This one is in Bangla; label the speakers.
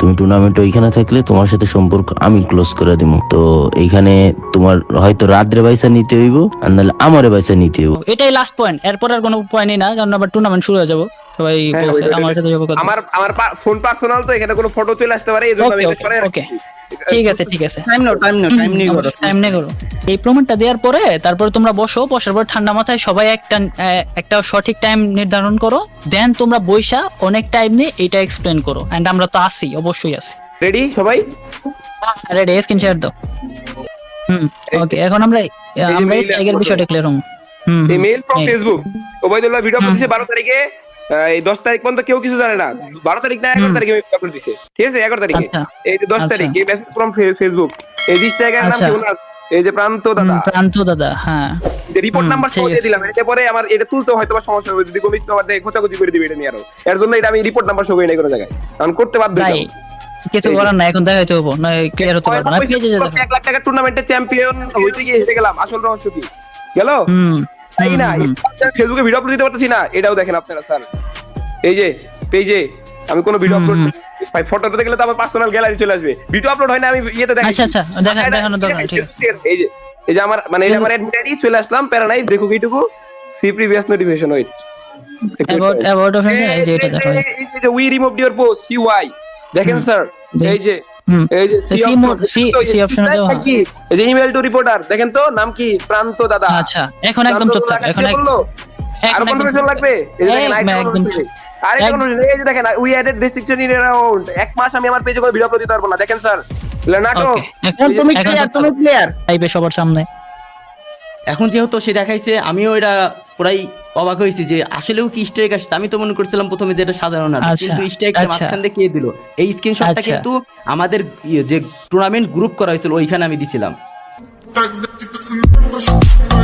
Speaker 1: তুমি টুর্নামেন্ট ওইখানে থাকলে তোমার সাথে সম্পর্ক আমি ক্লোজ করে দিব। তো এইখানে তোমার হয়তো রাত্রে পয়সা নিতে হইব, আর নাহলে আমারে পয়সা নিতে হইব।
Speaker 2: এটাই লাস্ট পয়েন্ট, এরপর আর কোনো পয়েন্টই না, কারণ আবার টুর্নামেন্ট শুরু হয়ে যাবো। সবাই
Speaker 3: হ্যাঁ,
Speaker 2: বলছে
Speaker 3: ওইটা,
Speaker 2: আমার সাথে যাবো কথা।
Speaker 3: আমার আমার ফোন পার্সোনাল, তো এখানে কোনো ফটো চলে আসতে পারে, এইজন্য আমি
Speaker 2: ওকে
Speaker 3: এটা সরাই
Speaker 2: ওকে
Speaker 3: রাখছি।
Speaker 2: ঠিক আছে ঠিক আছে,
Speaker 4: টাইম নাও টাইম নিয়ে করো।
Speaker 2: টাইম নিয়ে করো। এই প্রমাণটা দেওয়ার পরে তারপর তোমরা বসার পর ঠান্ডা মাথায় সবাই একটা সঠিক টাইম নির্ধারণ করো, দেন তোমরা বইসা অনেক টাইম নিয়ে এটা এক্সপ্লেন করো। এন্ড আমরা তো আসি, অবশ্যই আসি।
Speaker 3: রেডি সবাই?
Speaker 2: রেডি, স্ক্রিন শেয়ার দাও। ওকে, এখন আমরা স্ট্রাইকের বিষয়টা ক্লিয়ার হম।
Speaker 3: এই mail from Facebook, Obaidullah video upload দিয়েছে 12 তারিখে। এই 10 তারিখ পর্যন্ত কেউ কিছু জানে না। 12 তারিখ না 11 তারিখে আপলোড দিয়েছে, ঠিক আছে? 11 তারিখে, এই যে 10 তারিখ, এই মেসেজ ফ্রম ফেসবুক। এই জায়গার নাম কি ওনার? এই যে প্রান্ত দাদা,
Speaker 2: হ্যাঁ,
Speaker 3: রিপোর্ট নাম্বার সহ দিয়ে দিলাম। এটা পরে আমার এটা তুলতে হয়তো সমস্যা হবে, যদি কমিটি আমার দেখে খোঁচাখুচি করে দিবে এটা নিয়ে। আরো এর জন্য এটা আমি রিপোর্ট নাম্বার সহ করি না কোনো জায়গায়, কারণ করতে বাধ্য হই।
Speaker 2: কিছু করার না, এখন দেখাইতে হবো না, ক্লিয়ার হতে পারবে না। পেজে যা দেখো,
Speaker 3: 1 লাখ টাকা টুর্নামেন্টে চ্যাম্পিয়ন হইতে গিয়ে হেরে গেলাম, আসল রহস্য কি গেল? তাই না? ফেসবুকে ভিডিও আপলোড দিতে পারতেছি না, এটাও দেখেন আপনারা স্যার। এই যে পেজে আমি কোনো ভিডিও আপলোড, ভাই ফটো দিতে গেলে তো আমার পার্সোনাল গ্যালারি চলে আসবে। ভিডিও আপলোড হয় না, আমি ইয়েতে দেখাই।
Speaker 2: আচ্ছা দেখানো দরকার, ঠিক আছে।
Speaker 3: এই যে আমার মানে এই আমার অ্যাডমিট আইডি চলে আসলাম, প্যারা নাই, দেখো এইটুকু see previous notification wait
Speaker 2: about of এই যে এটা দেখো,
Speaker 3: এই যে উই রিমুভড ইওর পোস্ট সিওয়াই, দেখেন স্যার। এই যে সি অপশন দাও, এই যে ইমেল টু রিপোর্টার, দেখেন তো নাম কি? প্রান্ত দাদা।
Speaker 2: আচ্ছা, এখন একদম চুপ থাক, এখন
Speaker 3: আর কনফার্মেশন লাগবে। এই যে দেখেন
Speaker 2: একদম
Speaker 3: আরে কোন, এই যে দেখেন we added restriction in around 1 মাস আমি আমার পেজে কোনো ভিডিও আপলোড দিতে পারবো না, দেখেন স্যার। লেনাটো
Speaker 4: তুমি ক্লিয়ার
Speaker 2: টাইপে সবার সামনে।
Speaker 5: এখন যেহেতু সে দেখাইছে, আমিও এটা পুরাই অবাক হয়েছি যে আসলেও কি স্ট্রাইক আসছে। আমি তো মনে করছিলাম প্রথমে যেটা সাজানো না, কিন্তু স্ট্রাইকটা মাঝখান দিয়ে কে দিল। এই স্ক্রিনশটটা কিন্তু আমাদের যে টুর্নামেন্ট গ্রুপ করা হয়েছিল ওইখানে আমি দিছিলাম।